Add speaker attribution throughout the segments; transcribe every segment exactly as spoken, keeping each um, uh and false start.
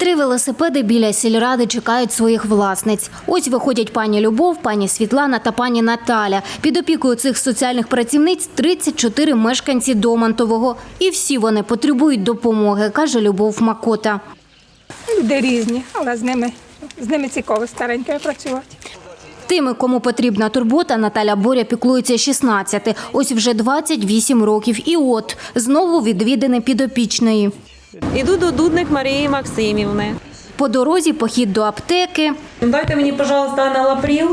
Speaker 1: Три велосипеди біля сільради чекають своїх власниць. Ось виходять пані Любов, пані Світлана та пані Наталя. Під опікою цих соціальних працівниць тридцять чотири мешканці Домантового. І всі вони потребують допомоги, каже Любов Макота.
Speaker 2: Люди різні, але з ними, з ними цікаво старенькою працювати.
Speaker 1: Тими, кому потрібна турбота, Наталя Боря піклується шістнадцяти. Ось вже двадцять вісім років. І от, знову відвідини підопічної.
Speaker 3: Іду до Дудник Марії Максимівни.
Speaker 1: По дорозі похід до аптеки.
Speaker 3: Дайте мені, пожалуйста, аналапріл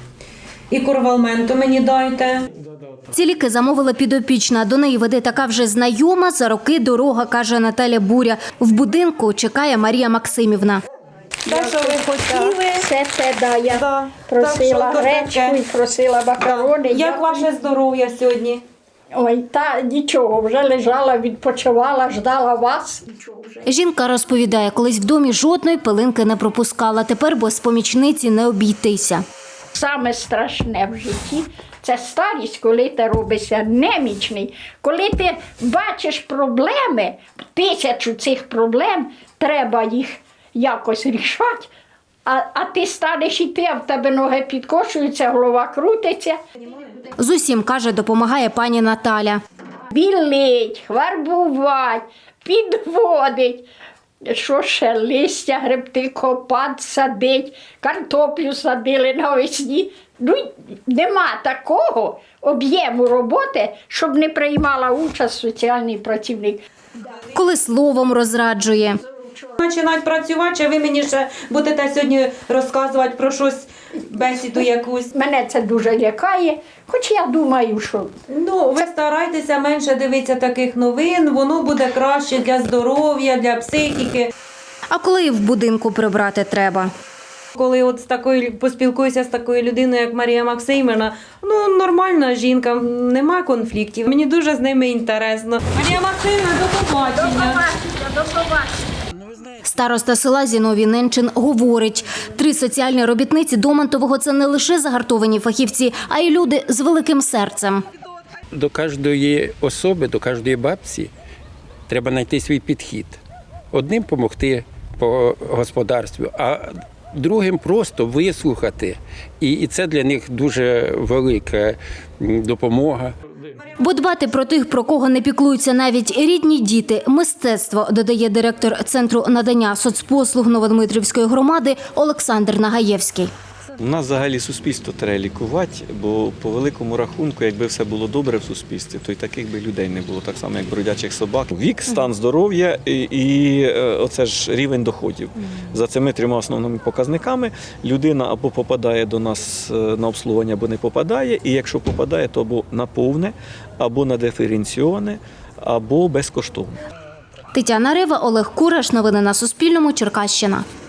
Speaker 3: і корвалменту мені дайте.
Speaker 1: Ці ліки замовила підопічна. До неї веде така вже знайома за роки дорога, каже Наталя Буря. В будинку чекає Марія Максимівна.
Speaker 3: Те, що ви хотіли.
Speaker 4: Все це, да, я
Speaker 3: Да.
Speaker 4: просила
Speaker 3: Так, що
Speaker 4: гречку
Speaker 3: таке?
Speaker 4: і просила макарони.
Speaker 3: Як
Speaker 4: Я-
Speaker 3: ваше здоров'я сьогодні?
Speaker 4: Ой, та нічого, вже лежала, відпочивала, ждала вас.
Speaker 1: Жінка розповідає, колись в домі жодної пилинки не пропускала. Тепер без помічниці не обійтися.
Speaker 4: Саме страшне в житті – це старість, коли ти робишся немічний. Коли ти бачиш проблеми, тисячу цих проблем, треба їх якось рішати, а, а ти станеш іти, а в тебе ноги підкошуються, голова крутиться.
Speaker 1: З усім, каже, допомагає пані Наталя.
Speaker 4: Білить, фарбувати, підводить. Що ще? Листя гребти, копати, садить, картоплю садили навесні. Ну, нема такого об'єму роботи, щоб не приймала участь соціальний працівник.
Speaker 1: Коли словом розраджує.
Speaker 3: Починають працювати, чи ви мені ще будете сьогодні розказувати про щось, бесіду якусь?
Speaker 4: Мене це дуже лякає, хоч я думаю, що
Speaker 3: Ну, ви старайтеся менше дивитися таких новин, воно буде краще для здоров'я, для психіки.
Speaker 1: А коли і в будинку прибрати треба?
Speaker 3: Коли от з такою поспілкуюся з такою людиною, як Марія Максимівна, ну нормальна жінка, нема конфліктів. Мені дуже з ними інтересно. Марія Максимівна, до побачення.
Speaker 1: Староста села Зіновій Ненчин говорить, три соціальні робітниці Домантового – це не лише загартовані фахівці, а й люди з великим серцем.
Speaker 5: До кожної особи, до кожної бабці треба знайти свій підхід. Одним допомогти по господарству, а другим просто вислухати. І це для них дуже велика допомога.
Speaker 1: Бо дбати про тих, про кого не піклуються навіть рідні діти – мистецтво, додає директор Центру надання соцпослуг Новодмитрівської громади Олександр Нагаєвський.
Speaker 6: У нас взагалі суспільство треба лікувати, бо по великому рахунку, якби все було добре в суспільстві, то й таких би людей не було, так само як бродячих собак. Вік, стан здоров'я і, і оце ж рівень доходів. За цими трьома основними показниками людина або попадає до нас на обслуговування, або не попадає, і якщо попадає, то або на повне, або на диференційоване, або безкоштовне.
Speaker 1: Тетяна Рева, Олег Кураш. Новини на Суспільному. Черкащина.